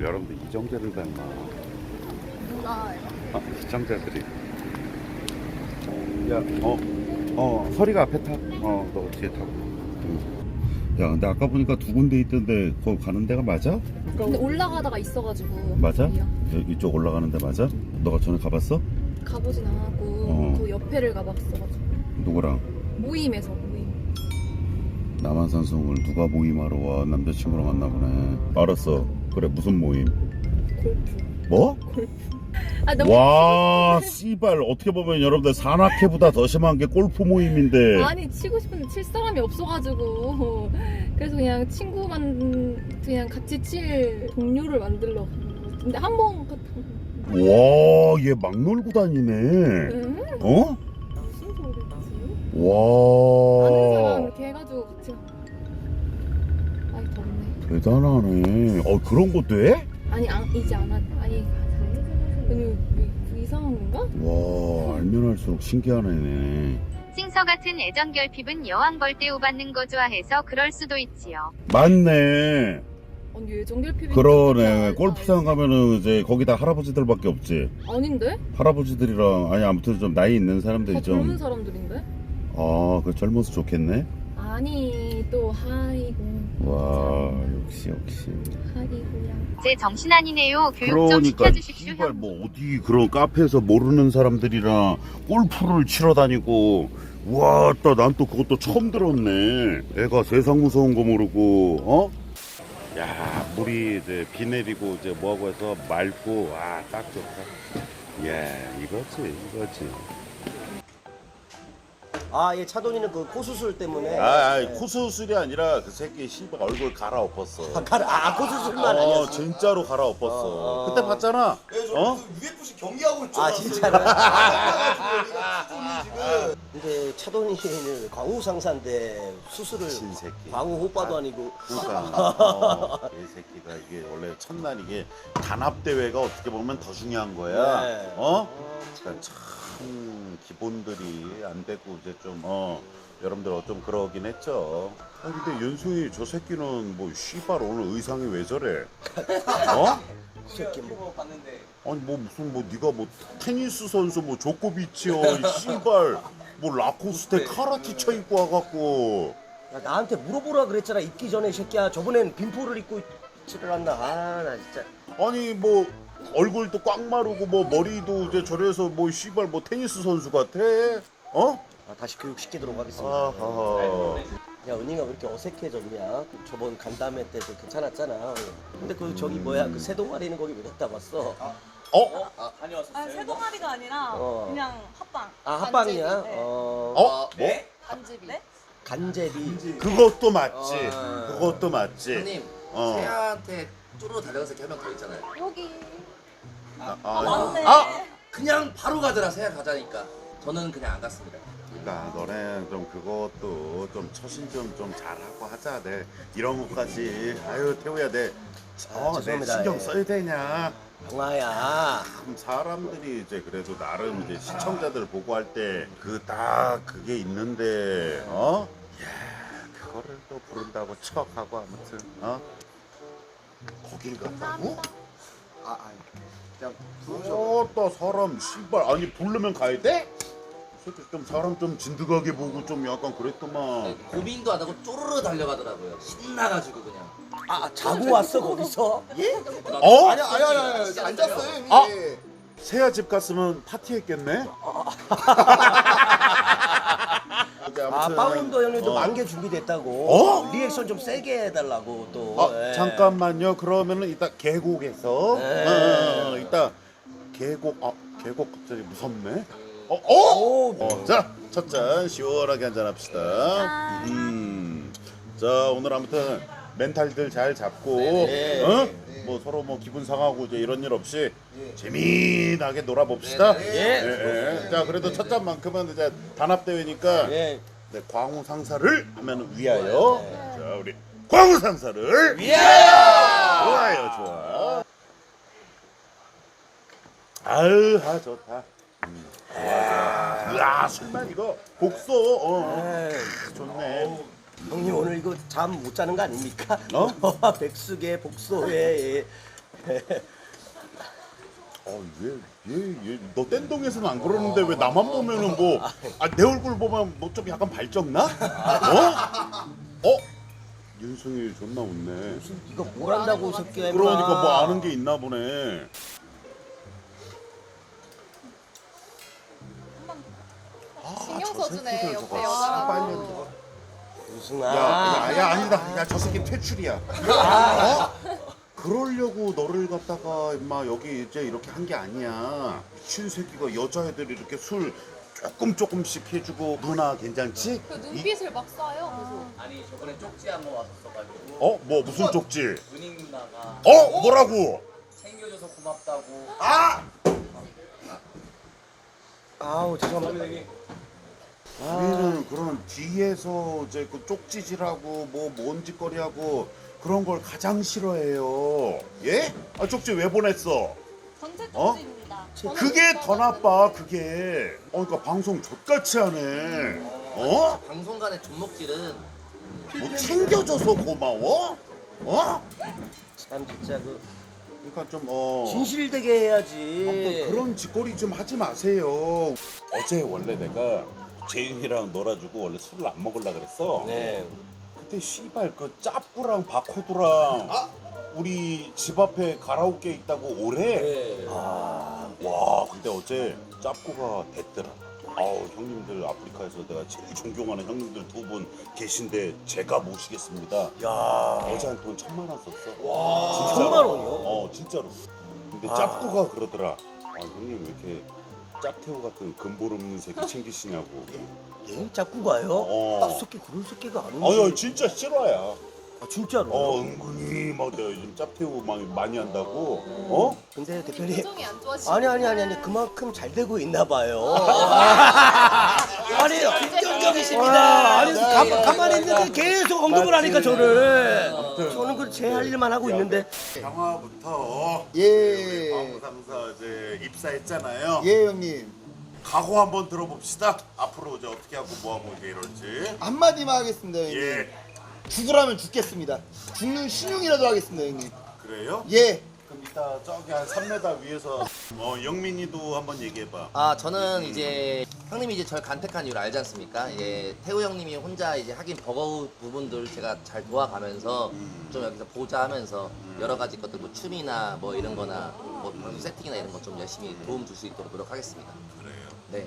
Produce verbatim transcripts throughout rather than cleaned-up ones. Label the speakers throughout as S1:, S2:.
S1: 여러분들 이정재를 닮아.
S2: 누나
S1: 아, 시청자들이. 야, 어, 어, 서리가 앞에 타. 어, 너 뒤에 타고. 응. 야, 근데 아까 보니까 두 군데 있던데 거기 가는 데가 맞아?
S2: 근데 올라가다가 있어가지고
S1: 맞아?
S2: 여기요.
S1: 여- 이쪽 올라가는 데 맞아? 너가 전에 가봤어?
S2: 가보진 않았고
S1: 어.
S2: 그 옆에를 가봤어가지고
S1: 누구랑?
S2: 모임에서 모임.
S1: 남한산성을 누가 모임하러 와? 남자친구랑 왔나 보네. 알았어. 그래, 무슨 모임?
S2: 골프.
S1: 뭐?
S2: 아 너무
S1: 와, 씨발. 어떻게 보면 여러분들 산악회보다 더 심한 게 골프 모임인데.
S2: 아니 치고 싶은데 칠 사람이 없어가지고 그래서 그냥 친구만 그냥 같이 칠 동료를 만들러. 근데 한번
S1: 와, 얘 막 놀고 다니네.
S2: 응?
S1: 어?
S2: 무슨 소리지?
S1: 와.
S2: 아는 사람 이렇게 해가지고 같이. 아이 덥네.
S1: 대단하네. 어, 그런 거 돼?
S2: 아니 안, 이제 안 하. 아니 아니 그 이상한 건가?
S1: 와, 알면 할수록 신기한 애네.
S3: 싱서 같은 애정 결핍은 여왕 벌떼우 받는 거 좋아해서 그럴 수도 있지요.
S1: 맞네.
S2: 아니 예정결핍이
S1: 그러네. 골프장 가면은 이제 거기다 할아버지들밖에 없지.
S2: 아닌데?
S1: 할아버지들이랑 아니 아무튼 좀 나이 있는 사람들이
S2: 다
S1: 좀.
S2: 젊은 사람들인데?
S1: 아, 그 젊어서 좋겠네.
S2: 아니 또 하이고.
S1: 와, 역시 역시.
S2: 하이고야.
S3: 제 정신 아니네요. 교육 좀
S1: 그러니까
S3: 시켜주십시오.
S1: 씨발 뭐 어디 그런 카페에서 모르는 사람들이랑 골프를 치러 다니고. 와, 또 난 또 그것도 처음 들었네. 애가 세상 무서운 거 모르고, 어? 야, 물이 이제 비 내리고 이제 뭐하고 해서 맑고, 아, 딱 좋다. 예, 이거지, 이거지.
S4: 아, 예, 차돈이는 그 코 수술 때문에.
S1: 아, 아니,
S4: 예.
S1: 코 수술이 아니라 그 새끼 씨발 얼굴 갈아엎었어.
S4: 아, 가라- 아, 코 수술만
S1: 어,
S4: 아니었어.
S1: 진짜로 갈아엎었어.
S4: 어, 어.
S1: 그때 봤잖아. 어?
S5: 유에프씨 경기하고 있죠.
S4: 아, 진짜로?
S5: 지금.
S4: 근데 차돈이는 광우 상사인데 수술을
S1: 신새끼.
S4: 광우 오빠도 아니고.
S1: 그러니까 어, 이 새끼가 이게 원래 첫날 이게 단합 대회가 어떻게 보면 더 중요한 거야.
S4: 네.
S1: 어? 그러니까 참 기본들이 안 되고 이제 좀 어. 여러분들 좀 그러긴 했죠. 아 근데 연수이 저 새끼는 뭐 씨발 오늘 의상이 왜 저래? 어?
S4: 이 새끼 뭐.
S1: 아니 뭐 무슨 뭐 네가 뭐 테니스 선수 뭐 조코비치요 이 씨발 뭐 라코스테 카라티 입고 와갖고
S4: 야, 나한테 물어보라 그랬잖아. 입기 전에 이 새끼야. 저번엔 빈포를 입고 있지를 않나. 아, 나 진짜.
S1: 아니 뭐 얼굴도 꽉 마르고 뭐 머리도 이제 저래서 뭐 씨발 뭐 테니스 선수 같아? 어?
S4: 아, 다시 교육시키도록 하겠습니다.
S1: 아하.
S4: 야, 은희가 왜 이렇게 어색해졌냐? 저번 간담회 때도 괜찮았잖아. 근데 그 저기 뭐야? 그 새 동아리는 거기 왜 갔다 왔어?
S1: 어?
S6: 아, 새 동아리가 아니라
S4: 어.
S6: 그냥 합방.
S4: 아, 합방이야?
S6: 간제비, 네.
S4: 어.
S1: 어? 뭐?
S2: 간제비.
S6: 네?
S4: 간제비.
S1: 그것도 맞지.
S4: 어.
S1: 그것도 맞지.
S5: 형님,
S1: 어.
S5: 세아한테 쭈르르 달려가서 한 명 더 있잖아요.
S2: 여기.
S1: 아,
S6: 아, 맞네.
S5: 아! 그냥 바로 가더라, 세아 가자니까. 저는 그냥 안 갔습니다.
S1: 그러니까 너네 좀 그것도 좀 처신 좀 좀 잘하고 하자. 내 이런 것까지 아유 태우야 내 어, 내
S4: 죄송합니다.
S1: 신경
S4: 예.
S1: 써야 되냐.
S4: 영아야.
S1: 참 사람들이 이제 그래도 나름 이제 시청자들 보고 할 때 그 딱 그게 있는데 어? 야 그거를 또 부른다고 척하고 아무튼 어? 거길 갔다고?
S5: 아, 아니. 그냥 부르셔.
S1: 어또 사람 씨발 아니 부르면 가야 돼? 솔직히 좀 사람 좀 진득하게 보고 좀 약간 그랬더만
S5: 고민도 안 하고 쪼르르 달려가더라고요. 신나가지고 그냥.
S4: 아, 자고 왔어, 거기서? 예?
S1: 어?
S5: 아니, 아니, 아니, 아니. 앉았어요, 이미.
S1: 아! 세아 집 갔으면 파티했겠네?
S4: 아, 파운더 형님도
S1: 어.
S4: 만개 준비됐다고.
S1: 어?
S4: 리액션 좀 세게 해달라고 또.
S1: 어,
S4: 예.
S1: 잠깐만요. 그러면은 이따 계곡에서
S4: 네.
S1: 어, 어, 이따 계곡 아 계곡 갑자기 무섭네. 어, 어?
S4: 오,
S1: 어, 자, 첫 잔 시원하게 한잔 합시다. 음. 자, 오늘 아무튼 멘탈들 잘 잡고
S4: 네.
S1: 어? 뭐 서로 뭐 기분 상하고 이제 이런 일 없이 재미나게 놀아봅시다.
S4: 예.
S1: 예, 예. 자, 그래도 첫 잔만큼은 이제 단합 대회니까
S4: 예.
S1: 네, 광우 상사를 하면 위하여. 자, 우리 광우 상사를
S4: 위하여!
S1: 좋아요, 좋아. 아유, 아 좋다. 음, 좋아, 좋아. 이야, 술만 이거 복소. 어,
S4: 에이,
S1: 좋네.
S4: 형님 오늘 이거 잠 못 자는 거 아닙니까?
S1: 어?
S4: 백숙에 복소에
S1: 어, 얘, 얘, 얘, 너 땡동에서는 안 그러는데 왜 나만 보면은 뭐, 아, 내 얼굴 보면 뭐 좀 약간 발정나? 어? 어? 윤승이 존나 웃네.
S4: 무슨 네가 뭘 안다고 새끼야.
S1: 그러니까 뭐 아는 게 있나 보네.
S2: 신경 써주네
S1: 새끼들
S2: 옆에
S1: 저거
S2: 여자라고.
S4: 유승아.
S1: 야, 야, 야, 아니다. 야, 저 새끼 퇴출이야. 어? 그러려고 너를 갖다가 임마 여기 이제 이렇게 한 게 아니야. 미친 새끼가 여자애들이 이렇게 술 조금 조금씩 해주고 누나 괜찮지?
S2: 그
S1: 이-
S2: 눈빛을 막 쏴요. 계속.
S5: 아니 저번에 쪽지 한 번 왔었어가지고
S1: 어? 뭐 무슨 쪽지?
S5: 은희 누나가
S1: 어? 뭐라고?
S5: 챙겨줘서 고맙다고.
S1: 아!
S4: 아우 죄송합니다.
S1: 우리는 그런 뒤에서 이제 그 쪽지질하고 뭐 뭔짓거리하고 그런 걸 가장 싫어해요. 예? 아 쪽지 왜 보냈어?
S6: 전체
S1: 어?
S6: 쪽지입니다.
S1: 그게 더 나빠 그게. 어 그러니까 방송 족같이 하네. 어?
S5: 방송간의 존목질은
S1: 뭐 챙겨줘서 고마워? 어?
S4: 참 진짜 그
S1: 그러니까 좀 어.
S4: 진실되게 해야지.
S1: 아무튼 그런 짓거리 좀 하지 마세요. 어제 원래 내가 재윤이랑 놀아주고 원래 술을 안 먹으려 그랬어.
S4: 네.
S1: 그때 씨발 그 짭구랑 바코드랑 우리 집 앞에 가라오케 있다고 오래.
S5: 네.
S1: 와 근데 어제 짭구가 됐더라. 아우 형님들 아프리카에서 내가 제일 존경하는 형님들 두 분 계신데 제가 모시겠습니다.
S4: 야.
S1: 어제 한 돈 천만 원 썼어.
S4: 와.
S1: 진짜로.
S4: 천만 원이요?
S1: 어 진짜로. 근데
S4: 아.
S1: 짭구가 그러더라. 아 형님 왜 이렇게 짭태우 같은 근본 없는 새끼 챙기시냐고.
S4: 얘 자꾸 가요?
S1: 어.
S4: 딱 새끼 그런 새끼가 아닌데.
S1: 아유 진짜 실화야.
S4: 아, 진짜로.
S1: 어 은근히 막 내가 요즘 짭태우 많이 많이 한다고. 어?
S4: 근데 대표님.
S2: 표정이 안 좋아지고.
S4: 아니 아니 아니 아니 그만큼 잘 되고 있나 봐요. 아니 긍정적이십니다. 아니 가, 가만히 있는데 계속 언급을 하니까 저를. 저는 그 제 할 일만 하고 있는데.
S1: 영화부터
S7: 예.
S1: 광고 상사 이제 입사했잖아요.
S7: 예 형님
S1: 각오 한번 들어봅시다. 앞으로 이제 어떻게 하고 뭐 하고 이제 이럴지.
S7: 한마디만 하겠습니다 형님.
S1: 예.
S7: 죽으라면 죽겠습니다. 죽는 신용이라도 하겠습니다 형님.
S1: 그래요?
S7: 예.
S1: 그럼 이따 저기 한 삼 미터 위에서 어 영민이도 한번 얘기해봐.
S5: 아 저는 이제 형님이 이제 저를 간택한 이유를 알지 않습니까? 이제 태우 형님이 혼자 이제 하긴 버거운 부분들 제가 잘 도와가면서 좀 여기서 보자 하면서 여러 가지 것들 뭐 춤이나 뭐 이런 거나 뭐 방송 세팅이나 이런 거 좀 열심히 도움 줄 수 있도록 노력하겠습니다.
S1: 그래요.
S5: 네.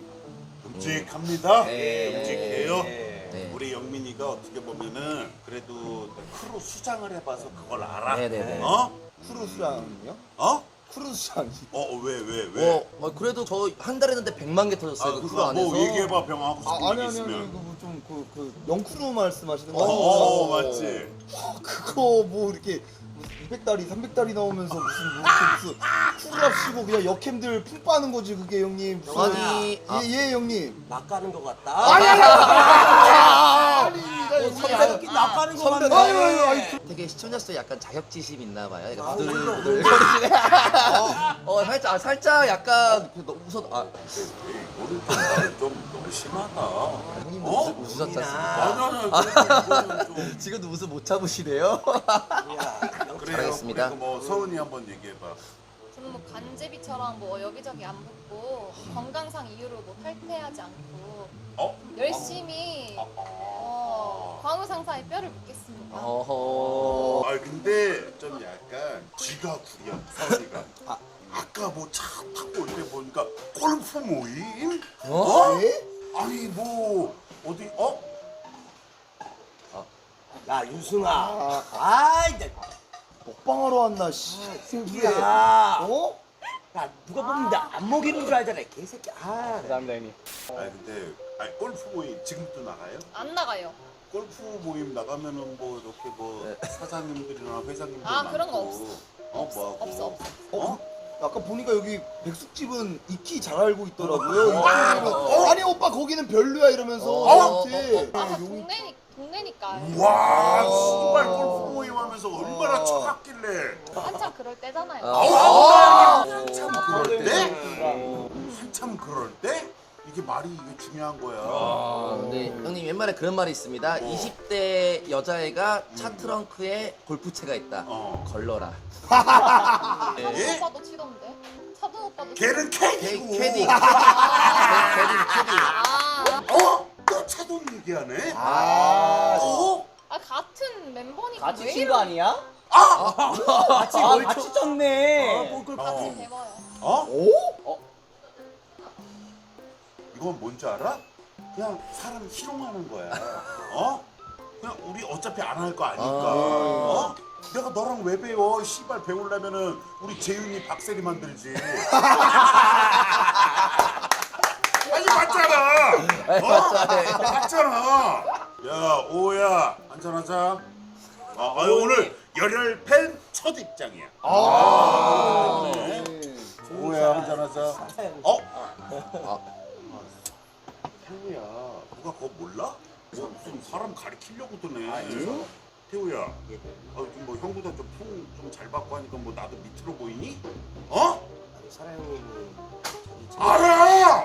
S1: 끔찍합니다.
S5: 네.
S1: 끔찍해요.
S5: 네.
S1: 우리 영민이가 어떻게 보면은 그래도 크루 수장을 해봐서 그걸 알아.
S5: 네네네.
S1: 어?
S7: 크루스랑요?
S1: 어?
S7: 크루스랑.
S1: 어 왜 왜 왜?
S5: 어, 어, 그래도 저 한 달 했는데 백만 개 터졌어요.
S1: 아,
S5: 그 크루
S1: 그거
S5: 안에서.
S1: 뭐 얘기해봐 병 하고 싶은
S7: 아 아니
S1: 얘기
S7: 아니
S1: 있으면.
S7: 아니 그거 좀그 그 영크루 말씀하시는 거
S1: 어,
S7: 아니에요?
S1: 어, 맞지.
S7: 그거 뭐 이렇게 이백 달이 삼백 달이 나오면서 무슨 뭐 이렇게 무슨 쿨랍시고 그냥 역캠들 풀 빠는 거지 그게 형님. 무슨-
S5: 아니, 아.
S7: 예, 예 형님.
S4: 낚아는 것 같다.
S7: 아니 아니 아니.
S4: 선배끼리 낚아는 것
S7: 선배,
S4: 같네.
S7: 아유, 아유, 아유.
S5: 되게 시청자 수에 약간 자격지심 있나 봐요.
S4: 아,
S5: 약간 부들부들 거리시네. 어, 살짝, 아, 살짝 약간 그 너무 웃어. 아,
S1: 오늘 좀 나를 좀 너무 심하다.
S5: 형님도
S1: 어?
S5: 웃, 웃으셨지 않습니까?
S1: 아니 아니 아니 좀
S5: 지금도 웃음 못 참으시네요.
S1: 그래요.
S5: 잘하겠습니다.
S1: 그리고 뭐 서은이 한번 얘기해봐.
S2: 저는 뭐 간제비처럼 뭐 여기저기 안 붙고 건강상 이유로 뭐 탈퇴하지 않고
S1: 어?
S2: 열심히 어, 광우 상사의 뼈를 묻겠습니다.
S5: 어허.
S1: 아 근데 좀 약간 쥐가 구려 서은이가. 아 아까 뭐 차 타고 올 때 보니까 골프 모임?
S5: 어?
S7: 예?
S1: 아니 뭐 어디 어?
S4: 야 유승아. 아 이제
S7: 먹방하러 왔나 씨.
S4: 야.
S7: 어?
S4: 야 누가 보면 나 안 먹이는 줄 알잖아 개새끼. 아.
S1: 아니 근데 아니 골프 모임 지금도 나가요?
S2: 안 나가요.
S1: 골프 모임 나가면은 뭐 이렇게 뭐 사장님들이나 회장님들
S2: 아, 그런 거
S1: 많고.
S2: 없어.
S1: 어 뭐하고?
S2: 없어, 없어.
S7: 어? 아까 보니까 여기 백숙집은 익히 잘 알고 있더라고요. 이쪽으로. 아니 오빠 거기는 별로야 이러면서
S5: 어?
S7: 나한테.
S2: 아,
S7: 여기
S2: 동네니, 동네니까.
S1: 와 씨발 골프 모임 하면서 얼마나 차갑길래.
S2: 한참 그럴 때잖아요.
S5: 아,
S1: 한참 그럴 때? 한참 그럴 때? 이게 말이 이게 중요한 거야.
S5: 아, 네, 형님 옛말에 그런 말이 있습니다. 이십 대 여자애가 차 트렁크에 골프채가 있다.
S1: 어.
S5: 걸러라.
S2: 차도
S1: 예?
S2: 오빠도 치던데. 차도 오빠도.
S1: 걔는
S5: 캐,
S1: 캐디고.
S5: 캐디. 캐디, 캐디.
S2: 아,
S1: 어? 또 차돈 얘기하네?
S4: 아,
S1: 어?
S2: 아 같은 멤버니까
S8: 같이
S2: 왜
S8: 친 거 아니야?
S4: 같이
S8: 아,
S4: 뭘
S8: 같이
S4: 쳐-
S8: 쳤네.
S4: 어, 뭘
S1: 어.
S2: 같이 해봐요.
S1: 어?
S8: 어?
S1: 이건 뭔지 알아? 그냥 사람 희롱하는 거야. 어? 그냥 우리 어차피 안 할 거 아니까. 어? 내가 너랑 왜 배워? 씨발 배우려면은 우리 재윤이 박세리 만들지. 아니 맞잖아. 어? 맞잖아. 야 오야 한잔하자. 아, 아유, 오늘 열혈 팬 첫 입장이야. 아, 그래. 오야 한잔하자. 어? 태우야, 누가 그거 몰라? 뭐 무슨 사람 가리키려고 드네. 태우야, 아, 요즘 뭐 형보다 좀 풍 좀 잘 받고 하니까 뭐 나도 밑으로 보이니? 어?
S4: 사랑 형님이
S1: 알아!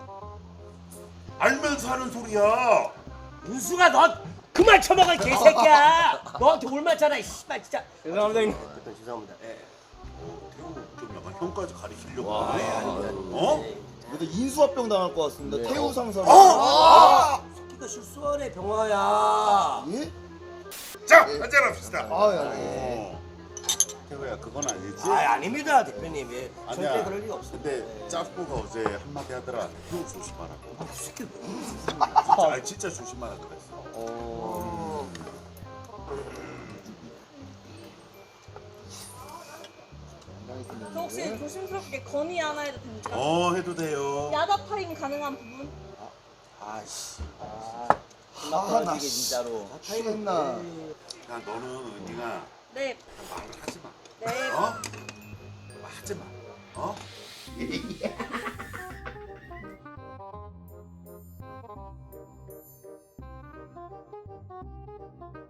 S1: 알면서 하는 소리야.
S4: 은수가 너 그만 쳐먹어 이 개새끼야. 너한테 올 맞잖아 이 씨발 진짜. 죄송합니다 형님. 일단 죄송합니다. 예.
S1: 어, 태우 좀 약간 형까지 가리키려고 하네. 어?
S7: 그래도 인수합병 당할 것 같습니다. 태우 상사로.
S1: 어?
S4: 새끼가 실수하네 병화야.
S7: 예?
S1: 자, 한잔합시다.
S7: 아, 예.
S1: 어. 태우야, 그건 아니지?
S4: 아 아닙니다 대표님. 예. 절대
S1: 아니야.
S4: 그럴 리가 없어.
S1: 근데 짜스코가 어제 한마디 하더라. 태우 조심하라고.
S4: 아, 그 새끼 왜 이러지?
S1: 진짜, 아니, 진짜 조심하라 그랬어.
S4: 어.
S6: 저 혹시 조심스럽게 건의 하나 해도 됩니까?
S1: 어, 해도 돼요.
S6: 야자 타임 가능한 부분?
S4: 아씨.
S7: 아,
S8: 나
S7: 나
S8: 이게 진짜로.
S7: 취했나.
S1: 야, 너는 은희가
S6: 네.
S1: 말을 하지 마.
S6: 네.
S1: 어? 하지 마. 어?